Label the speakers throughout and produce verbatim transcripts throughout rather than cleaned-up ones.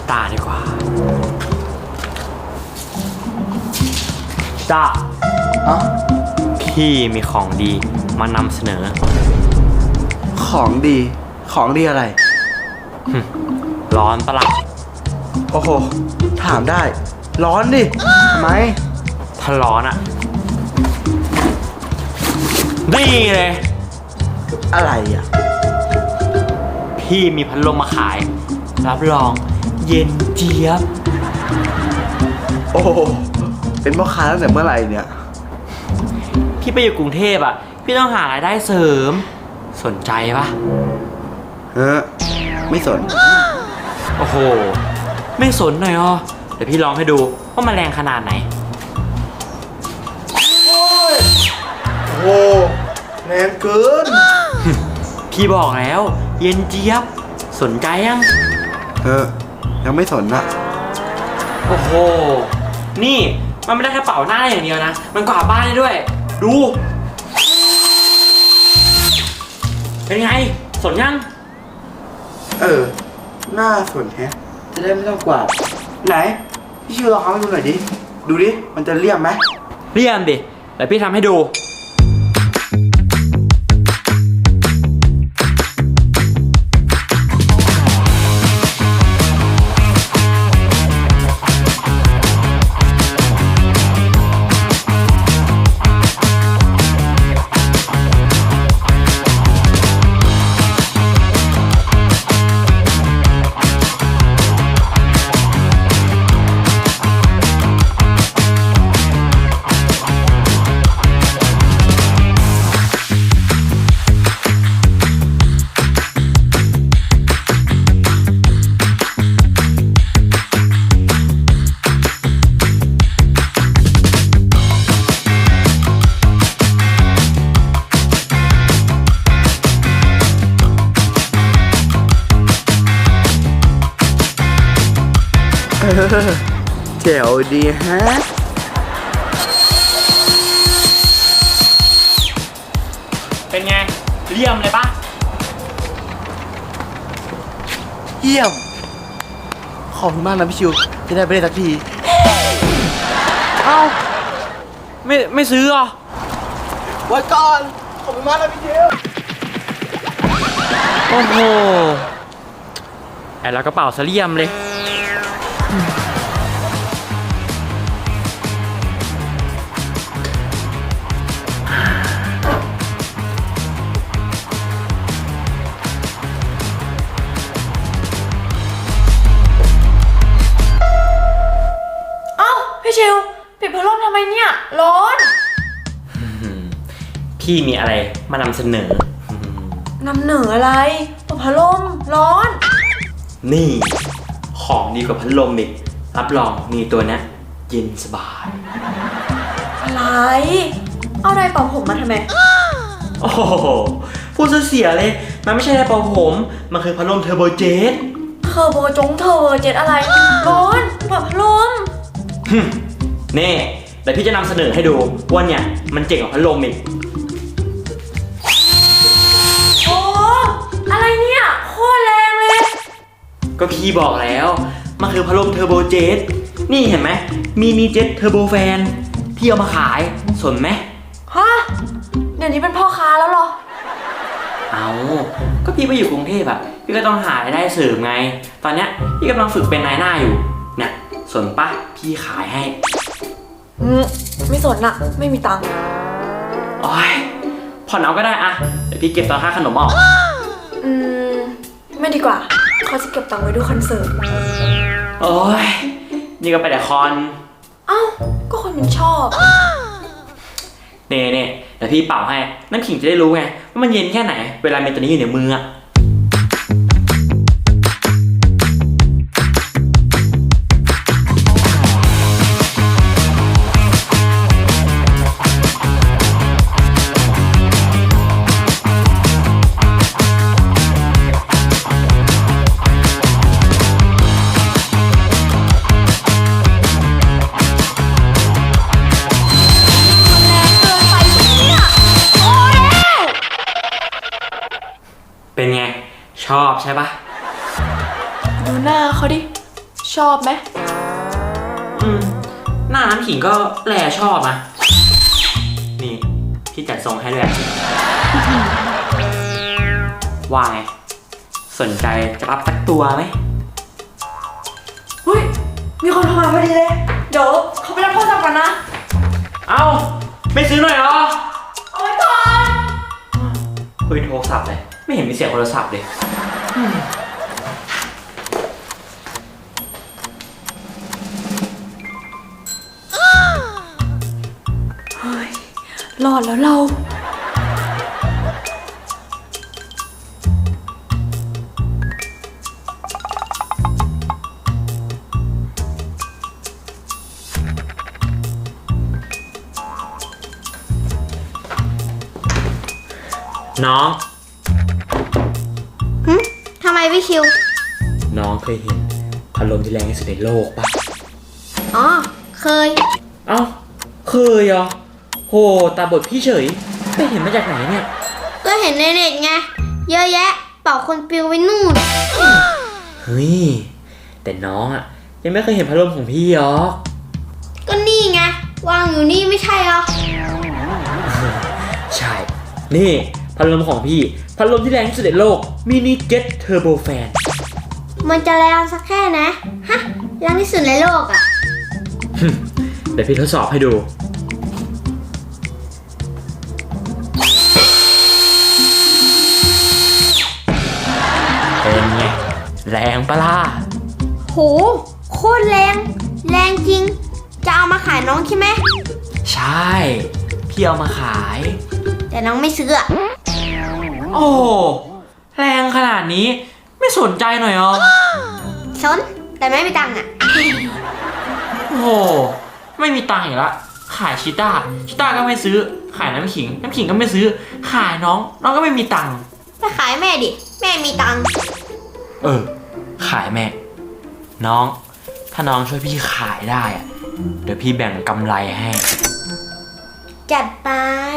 Speaker 1: ตาดีกว่าจ้า
Speaker 2: เอ้า
Speaker 1: พี่มีของดีมานำเสนอ
Speaker 2: ของดี ของดีอะไร
Speaker 1: ร้อนปะล่ะ
Speaker 2: โอ้โห ถามได้ ร้อนดิ ทำไม
Speaker 1: ถ้าร้อนอะนี่เลย
Speaker 2: อะไรอ่ะ
Speaker 1: พี่มีพัดลมมาขาย รับรองเย็นเจี๊ยบ
Speaker 2: โอ้โห เป็นพ่อค้าตั้งแต่เมื่อไหร่เนี่ย
Speaker 1: พี่ไปอยู่กรุงเทพอะพี่ต้องหารายได้เสริม สนใจปะ
Speaker 2: เฮ้อไม่สน
Speaker 1: โอ้โห ไม่สนหน่อยอ๋อเดี๋ยวพี่ลองให้ดูว่ามันแรงขนาดไหน
Speaker 2: โอ้โห แรงเกิน
Speaker 1: พี่บอกแล้ว เย็นเจี๊ยบ สนใจยัง
Speaker 2: เฮ้อยังไม่สนนะ
Speaker 1: โอ้โห นี่มันไม่ได้แค่เป่าหน้าได้อย่างเดียวนะ มันกวาดบ้านได้ด้วย ดู เป็นไง สนยัง
Speaker 2: เออ หน้าสนแฮะ จะได้ไม่ต้องกวาด ไหน พี่ชิวลองเอาให้ดูหน่อยดิ ดูดิ มันจะเลี่ยมไหม
Speaker 1: เรียมดิเดี๋ยวพี่ทำให้ดู
Speaker 2: เออแจ๋วดีฮะ
Speaker 1: เป็นไง เรียมเลยปะ
Speaker 2: เยี่ยม ขอบคุณมากนะพี่ชิว จะได้ไปได้สักที
Speaker 1: เอ้า ไม่ไม่ซื้อเหรอ
Speaker 2: ไว้ก่อน ขอบคุณมากนะพี่ชิว
Speaker 1: โอ้โหแอบแล้วกระเป๋าเสลี่ยมเลย
Speaker 3: เอ้าพี่ชิวปิดพัดลมทำไมเนี่ย ร้อน
Speaker 1: พี่มีอะไรมานำเสนอ
Speaker 3: นำเหนืออะไรเปิดพัดลมร้อน
Speaker 1: นี่ ของดีกว่าพัดลมอีก รับรองมีตัวเนี้ยเย็นสบาย
Speaker 3: อะไร เอาอะไรเป่าผมมาทำไม
Speaker 1: โอ้โห พูดซะเสียเลย มันไม่ใช่ไดร์เป่าผม มันคือพัดลมเทอร์โบเจ็ต
Speaker 3: เทอร์โบจงเทอร์โบเจ็ตอะไร ร้อนเปิดพัดลม
Speaker 1: ฮึ่มเน่เดี๋ยวพี่จะนำเสนอให้ดูว่าเนี่ยมันเจ๋งกว่าพัดลมอีก
Speaker 3: โอ้อะไรเนี่ยโคตรแรงเลย
Speaker 1: ก็พี่บอกแล้ว มันคือพัดลมเทอร์โบเจ็ต นี่เห็นไหม มีนีเจ็ตเทอร์โบแฟน พี่เอามาขาย สนไหม
Speaker 3: ฮะ เดี๋ยวนี้เป็นพ่อค้าแล้วเหรอ
Speaker 1: เอาก็พี่ไปอยู่กรุงเทพอะพี่ก็ต้องหารายได้เสริมไง ตอนเนี้ยพี่กำลังฝึกเป็นนายหน้าอยู่ เนี่ยสนปะพี่ขายให้
Speaker 3: อืมไม่สนอะไม่มีตังค์
Speaker 1: โอ้ยผ่อนเอาก็ได้อะเดี๋ยวพี่เก็บตอนค่าขนมออก
Speaker 3: อืมไม่ดีกว่าเขาจะเก็บตังค์ไว้ดูคอนเสิร์ต
Speaker 1: โอ้ยนี่ก็ไปแต่คอน
Speaker 3: เอ้าก็คนมันชอบ
Speaker 1: เน่เน่เดี๋ยวพี่เป่าให้ น้ำขิงจะได้รู้ไงว่ามันเย็นแค่ไหน เวลาเมนตัวนี้อยู่ในมืออะ เป็นไง ชอบใช่ปะ
Speaker 3: ดูหน้าเขาดิ ชชอบไหม
Speaker 1: อืม หน้าน้ำขิงก็แลชอบนะนี่ พี่จัดทรงให้ด้วย ว่าไง สนใจจะรับสักตัวไหม
Speaker 3: เฮ้ย มีคนโทรมาพอดีเลย เดี๋ยวเขาไปรับโทรศัพท์กันนะ
Speaker 1: เอ้า ไม่ซื้อหน่อยเหรอ
Speaker 3: เอาไว้ก่อน
Speaker 1: คุยโทรศัพท์เลย ไม่เห็นมีเสียงโทรศัพท์เลย
Speaker 3: เฮ้ย รอดแล้วเรา
Speaker 1: น้อง
Speaker 4: หึทำไมพี่ชิว
Speaker 1: น้องเคยเห็นพัดลมที่แรงที่สุดในโลกปะ
Speaker 4: อ๋อ เคย
Speaker 1: เอ้า เคยเหรอโหตาบอดพี่เฉย ไปเห็นมาจากไหนเนี่ย
Speaker 4: ก็เห็นในเน็ตไง เยอะแยะ เป่าคนปลิวไว้นู่น
Speaker 1: เฮ้ย แต่น้องอะยังไม่เคยเห็นพัดลมของพี่หรอก
Speaker 4: ก็นี่ไง วางอยู่นี่ไม่ใช่เหรอ
Speaker 1: ใช่ นี่พัดลมของพี่ พัดลมที่แรงที่สุดในโลก Mini Jet Turbo Fan
Speaker 4: มันจะแรงสักแค่นะ ฮะแรงที่สุดในโลกอ่ะ
Speaker 1: เดี๋ยวพี่ทดสอบให้ดู เป็นไง แรงปะล่ะ
Speaker 4: โห โคตรแรง แรงจริง จะเอามาขายน้องใช่ไหม
Speaker 1: ใช่ พี่เอามาขาย
Speaker 4: แต่น้องไม่ซื้ออะ
Speaker 1: โอ้แรงขนาดนี้ ไม่สนใจหน่อยเหรอ
Speaker 4: สน แต่ไม่มีตังค์อ่ะ
Speaker 1: โอ้โห ไม่มีตังค์อีกละ ขายชิต้า ชิต้าก็ไม่ซื้อ ขายน้ำขิง น้ำขิงก็ไม่ซื้อ ขายน้อง น้องก็ไม่มีตังค์
Speaker 4: ไปขายแม่ดิ แม่มีตังค์
Speaker 1: เออ ขายแม่ น้อง ถ้าน้องช่วยพี่ขายได้อะเดี๋ยวพี่แบ่งกำไรให้
Speaker 4: จัดไป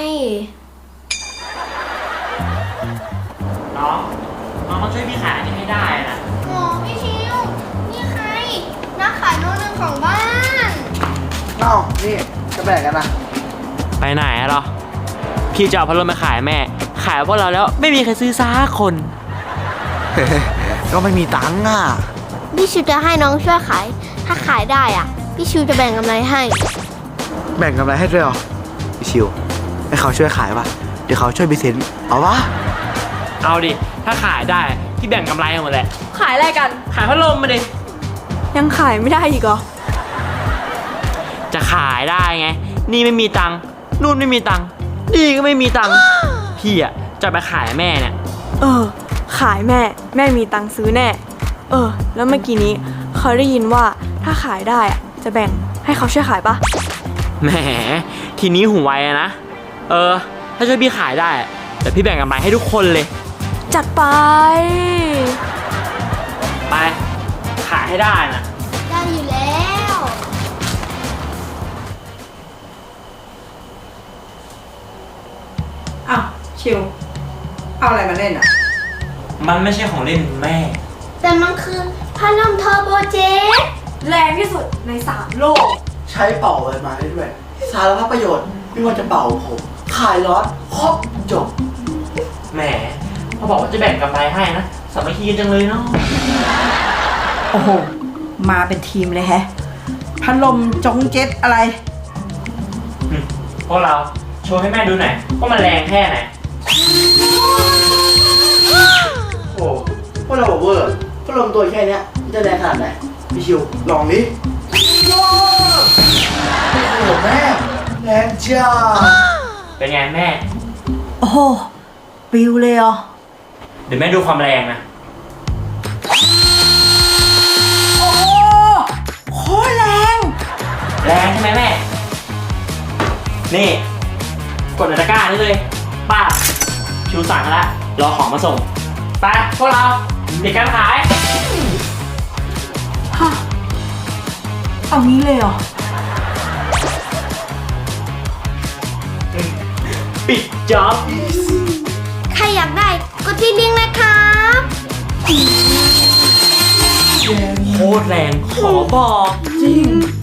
Speaker 1: น้อง น้องต้องช่วยพี่ขายอันนี้ให้ได้นะ
Speaker 4: โอ้พี่ชิว นี่ใคร นักขายโน้ตหนึ่งของบ้าน
Speaker 2: เอ้านี่จะแบ่งกันนะ
Speaker 1: ไปไหนอะเหรอ พี่จะเอาพัดลมมาขายแม่ ขายพวกเราแล้วไม่มีใครซื้อซักคน
Speaker 2: ก็ไม่มีตังค์อ่ะ
Speaker 4: พี่ชิวจะให้น้องช่วยขาย ถ้าขายได้อ่ะ พี่ชิวจะแบ่งกำไรให้
Speaker 2: แบ่งกำไรให้ด้วยเหรอพี่ชิวให้เขาช่วยขายป่ะ เดี๋ยวเขาช่วยบิเซนเอาวะ
Speaker 1: เอาดิ ถ้าขายได้พี่แบ่งกำไรหมดแหละ
Speaker 3: ขายอะไรกัน
Speaker 1: ขายพัดลมมาดิ
Speaker 3: ยังขายไม่ได้อีกเหรอ
Speaker 1: จะขายได้ไง นี่ไม่มีตังค์ นู่นไม่มีตังค์ นี่ก็ไม่มีตังค์ พี่อ่ะจะไปขายแม่เนี่ย
Speaker 3: เออ ขายแม่ แม่มีตังค์ซื้อแน่ เออ แล้วเมื่อกี้นี้เขาได้ยินว่าถ้าขายได้อะจะแบ่งให้เขาช่วยขายปะ
Speaker 1: แหม ทีนี้หูไวอะนะ เออ ถ้าช่วยพี่ขายได้อะเดี๋ยวพี่แบ่งกำไรให้ทุกคนเลย
Speaker 3: จัดไป
Speaker 1: ไป ขายให้ได้นะ
Speaker 4: ได้อยู่แล้ว
Speaker 5: อ้าวชิว เอาอะไรมาเล่นอ่ะ
Speaker 1: มันไม่ใช่ของเล่นแม่
Speaker 4: แต่มันคือพัดลมเทอร์โบเจต
Speaker 3: แรงที่สุดในสามโลก
Speaker 2: ใช้เป่าอะไรมาได้ด้วย สารพัดประโยชน์ไม่ว่าจะเป่าผมขายร้อนครบจบ
Speaker 1: แหมพอบอกว่าจะแบ่งกำไรให้นะสามัคคีกันจังเลยเนาะ
Speaker 5: โอ้โห มาเป็นทีมเลยแฮะ พัดลมจงเจ็ตอะไร
Speaker 1: อืมพวกเราโชว์ให้แม่ดูหน่อยว่ามันแรงแค่ไหน
Speaker 2: โอ้พวกเราบอกเวอร์พัดลมตัวแค่เนี้ยมันจะแรงขนาดไหนพี่ชิวลองดิว้าวโอ้โหแม่แรงจ้า
Speaker 1: เป็นไงแม่
Speaker 5: โอ้โห ปิวเลยเหรอ
Speaker 1: เดี๋ยวแม่ดูความแรงนะ
Speaker 5: โอ้โหโคตรแรง
Speaker 1: แรงใช่ไหมแม่ นี่ กดในตะกร้านี่เลยป้าชูสั่งแล้วรอของมาส่ง ไปพวกเราเด็กการขาย
Speaker 5: ฮะ เอางี้เลยเหรอ
Speaker 1: ปิดจ็อบ
Speaker 4: ใครอยากได้ก็ที่ลิงก์นะครับ
Speaker 2: โค
Speaker 1: ตรแรงขอบอก
Speaker 5: จริง